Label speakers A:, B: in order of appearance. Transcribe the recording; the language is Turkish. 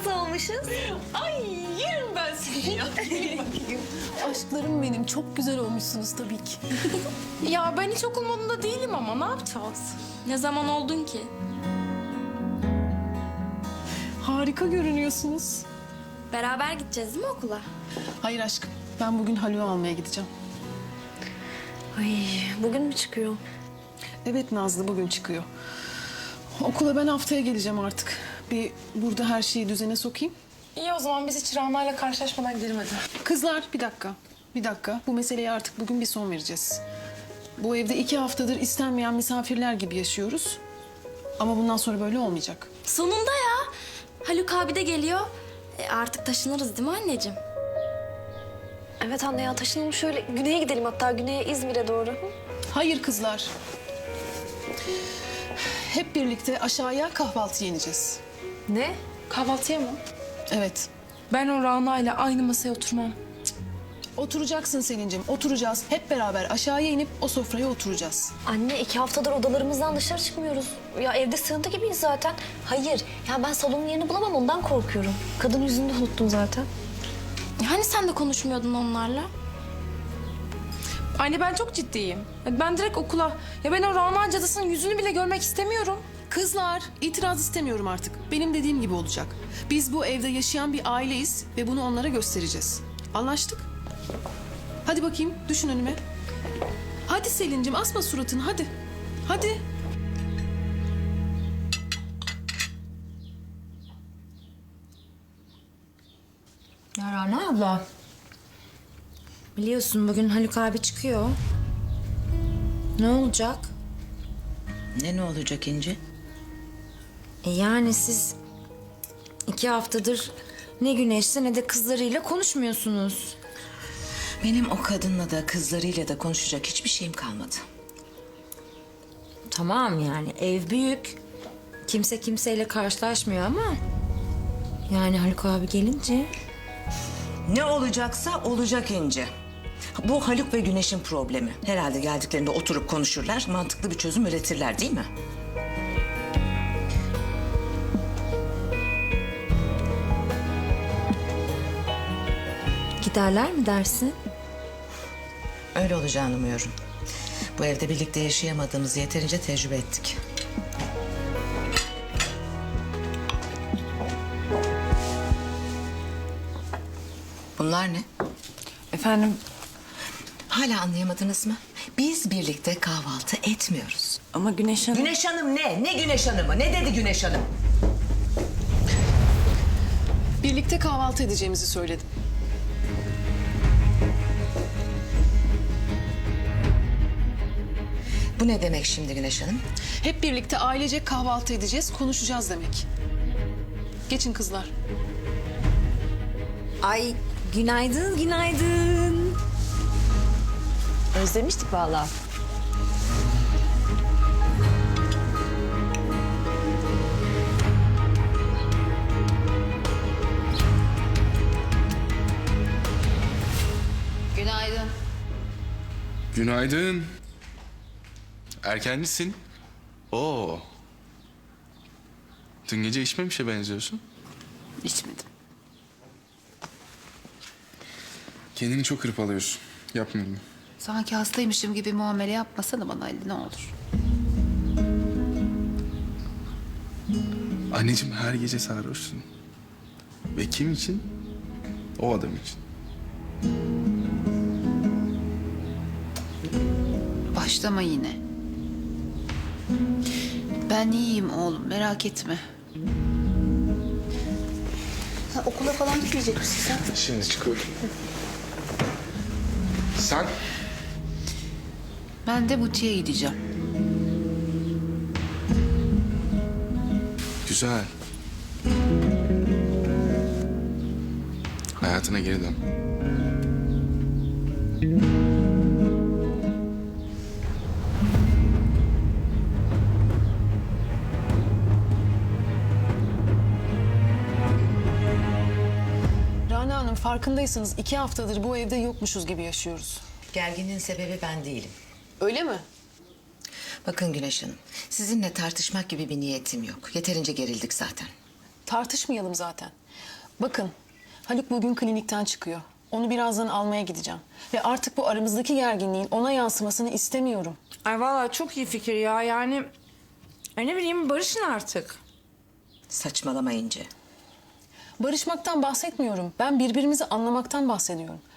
A: nasıl olmuşuz?
B: Ay yerim ben seni ya.
C: Aşklarım benim, çok güzel olmuşsunuz tabii ki.
B: Ya ben hiç okul modunda değilim ama ne yapacağız?
D: Ne zaman oldun ki?
C: Harika görünüyorsunuz.
D: Beraber gideceğiz değil mi okula?
C: Hayır aşkım, ben bugün Haluk'u almaya gideceğim.
A: Ay bugün mü çıkıyor?
C: Evet Nazlı, bugün çıkıyor. Okula ben haftaya geleceğim artık. Bir burada her şeyi düzene sokayım.
B: İyi o zaman biz hiç Rana'yla karşılaşmadan gidelim hadi.
C: Kızlar bir dakika, bir dakika. Bu meseleye artık bugün bir son vereceğiz. Bu evde 2 haftadır istenmeyen misafirler gibi yaşıyoruz. Ama bundan sonra böyle olmayacak.
D: Sonunda ya. Haluk abi de geliyor. Artık taşınırız değil mi anneciğim?
A: Evet anne ya taşınalım şöyle güneye gidelim hatta güneye İzmir'e doğru.
C: Hayır kızlar. Hep birlikte aşağıya kahvaltı yeneceğiz.
A: Ne?
B: Kahvaltıya mı?
C: Evet.
B: Ben o Rana'yla aynı masaya oturmam.
C: Oturacaksın Selin'cim, oturacağız. Hep beraber aşağıya inip o sofraya oturacağız.
A: Anne 2 haftadır odalarımızdan dışarı çıkmıyoruz. Ya evde sığıntı gibiyiz zaten. Hayır ya ben salonun yerini bulamam ondan korkuyorum. Kadın yüzünü de unuttum zaten.
D: Hani sen de konuşmuyordun onlarla?
B: Anne ben çok ciddiyim. Ben direkt okula. Ya ben o Rana cadısının yüzünü bile görmek istemiyorum.
C: Kızlar, itiraz istemiyorum artık. Benim dediğim gibi olacak. Biz bu evde yaşayan bir aileyiz ve bunu onlara göstereceğiz. Anlaştık? Hadi bakayım, düşün önüme. Hadi Selin'cim, asma suratını, hadi. Hadi.
D: Ya Rana abla. Biliyorsun bugün Haluk abi çıkıyor. Ne olacak?
E: Ne olacak İnci?
D: Yani siz 2 haftadır ne Güneş'le ne de kızlarıyla konuşmuyorsunuz.
E: Benim o kadınla da kızlarıyla da konuşacak hiçbir şeyim kalmadı.
D: Tamam yani ev büyük. Kimse kimseyle karşılaşmıyor ama... Yani Haluk abi gelince...
E: Ne olacaksa olacak İnci. Bu Haluk ve Güneş'in problemi. Herhalde geldiklerinde oturup konuşurlar, mantıklı bir çözüm üretirler değil mi?
D: Giderler mi dersin?
E: Öyle olacağını umuyorum. Bu evde birlikte yaşayamadığımızı yeterince tecrübe ettik. Bunlar ne?
B: Efendim?
E: Hala anlayamadınız mı? Biz birlikte kahvaltı etmiyoruz.
B: Ama Güneş Hanım...
E: Güneş Hanım ne? Ne Güneş Hanım'ı? Ne dedi Güneş Hanım?
C: Birlikte kahvaltı edeceğimizi söyledim.
E: Bu ne demek şimdi Güneş Hanım?
C: Hep birlikte ailece kahvaltı edeceğiz, konuşacağız demek. Geçin kızlar.
D: Ay günaydın, günaydın.
A: Özlemiştik vallahi.
F: Günaydın.
G: Günaydın. Erkencisin. Oo. Dün gece içmemişe benziyorsun.
F: İçmedim.
G: Kendini çok hırpalıyorsun. Yapma bunu.
F: Sanki hastaymışım gibi muamele yapmasana bana Ali ne olur.
G: Anneciğim her gece sarhoşsun. Ve kim için? O adam için.
F: Başlama yine. Ben iyiyim oğlum merak etme. Sen okula falan gitmeyecek misin sen?
G: Şimdi çıkıyorum. Sen?
F: Ben de butiğe gideceğim.
G: Güzel. Hayatına geri dön.
C: Rana Hanım, farkındaysanız 2 haftadır bu evde yokmuşuz gibi yaşıyoruz.
E: Gerginliğin sebebi ben değilim.
C: Öyle mi?
E: Bakın Güneş Hanım, sizinle tartışmak gibi bir niyetim yok. Yeterince gerildik zaten.
C: Tartışmayalım zaten. Bakın, Haluk bugün klinikten çıkıyor. Onu birazdan almaya gideceğim. Ve artık bu aramızdaki gerginliğin ona yansımasını istemiyorum.
D: Ay vallahi çok iyi fikir ya. Yani ay ne bileyim barışın artık.
E: Saçmalama İnce.
C: Barışmaktan bahsetmiyorum. Ben birbirimizi anlamaktan bahsediyorum.